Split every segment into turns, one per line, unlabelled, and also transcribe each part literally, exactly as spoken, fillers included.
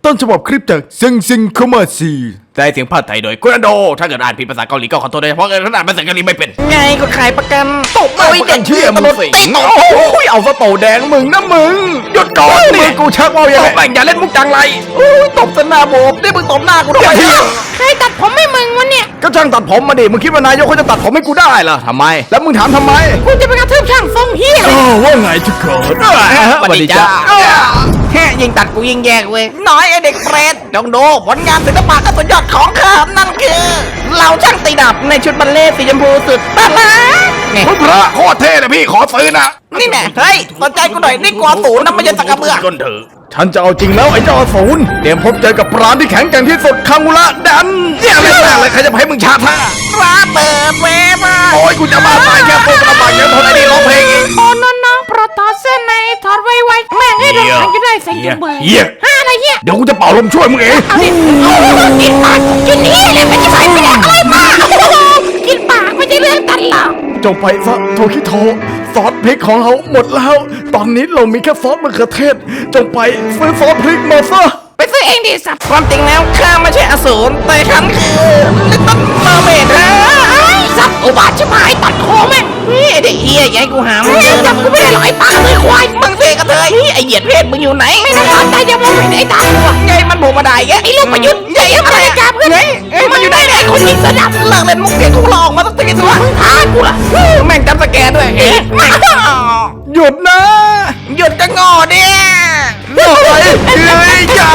ต้นฉบับคลิปจากเซิงซิงคอมเมอร์ซีแต่เสียงภาคไทยโดยกุนโดถ้าเกิดอ่านผิดภาษาเกาหลีก็ขอโทษด้วยเพราะเกิดอ่านภาษาเกาหลีไม่เป็น
ไงคนขายประกันตบ
โอ้ยเด็กเชื่อมึงสิโอ้ยเอาสโตแดงมึงนะมึงหยุดก่อนนี่กูชักว่าอย่างไรอย่าเล่นมุกจังไรโอ้ยตบสนาโบกนี่มึงตบหน้ากูด้วย
ใครตัดผมให้มึงวะเนี่ย
ก็ช่างตัดผมมาดิมึงคิดว่านายกเขาจะตัดผมให้กูได้เหรอทำไมแล้วมึงถามทำไม
กูจะไปกระทืบช่างทรงเฮีย
ว่าไงทุกคนสวัสดีจ้า
แค่ยิงตัดกูยิงแยกเว้ยน้อยไอเด็กเปรตจงดูผลงานศิลปะก็สุดยอดของข้านั่นคือเราช่างตีดับในชุดบัลเล่ต์สีชมพูสุดตาลาไง
คุณพระโคตรเท่เลยพี่ขอซื้อนะ
นี่แน่เฮ้ยสนใจกูหน่อยนี่กลัวศูนย์นะไม่ใช่ตะกระเบือ
ก้นเถอะฉันจะเอาจริงแล้วไอ้เจ้าอสูรเตรียมพบเจอกับปราณที่แข็งแกร่งที่สุดคังอุระดันเนี่ยไม่แม่เลยใครจะให้มึงชาท่า
ฟ้าเปิดเวมา
โอ้ยกูจะมาตายแค่พวกกระบะยังทนไอ้นี่ร้องเพลงอีก
โอ้น้องน้องโปรดถอดเสื้อในถอดไวๆแม่งให้เราทันก็ได้ใส่จุ่มเบอร์
เหี้ย
ห้าอะไรเงี้ย
เดี๋ยวกูจะเป่าลมช่วยมึงเอง
เอาดิโอ้กินปากกินนี่แหละไม่ใช่ไปไม่ได้อะไรมากินปากไม่ใช่เรื่องตันหรอก
จงไปซะโทคิโทซอสพริกของเราหมดแล้ว ตอนนี้เรามีแค่ซอสมะเขือเทศจงไปซื้อซอสพริกมาซะ
ไปซื้อเองดิสัตว์ความจริงแล้วข้าไม่ใช่อสูรแต่ฉันคือลิตเติ้ลเมอร์เมดฮะสัตว์อุบาทชิบหายตัดคอแม่งเฮ้ยไอ้เด็กเฮียอย่าให้กูหามึงเจอจับกูไม่ได้หรอกไอ้ปากเลยควายมึงเสกกระเทยเฮ้ยไอ้เหยียดเพศมึงอยู่ไหนไม่ต้องการใจจะมองเห็นไอ้ตาตัวไงมันโผล่มาได้แกไอ้ลูกประยุทธ์ใหญ่อะไรกันเพื่อนเฮ้ยเฮ้ยมันอยู่ไหนเนี่ยคนยิงสนับเลิกเล่นมุกเด็กกูหลอกมาตั้งแต่ตัวมึงท้ากูล่ะแม่งจำสแกนด้วยเอ๊ะ
หยุดนะ
หยุดจะงอเนี่ย
เฮ้ยเฮ้ยอย่า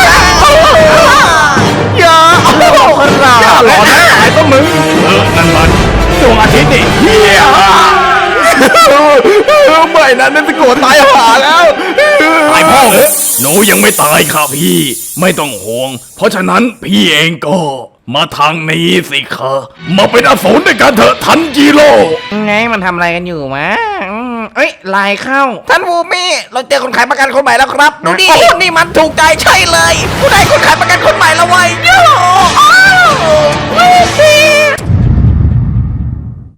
อย่าคนเราอย่าหลอนนะไอ้ก็มึงเออนั่นมันดวงอาทิตย์นี่เฮียไม่นะนั่นจะโกรธตายหาแล้วตายพ่อเหรอหนูยังไม่ตายค่ะพี่ไม่ต้องห่วง เพราะฉะนั้นพี่เองก็มาทางนี้สิคะมาเป็นอสูรด้วยกันเถอะทันจิโร่
ไงมันทำอะไรกันอยู่มะอืมเอ้ยไลน์เข้าท่านวูมี่เราเจอคนขายประกันคนใหม่แล้วครับดูดินี่มันถูกใจใช่เลยผู้ใดคนขายประกัน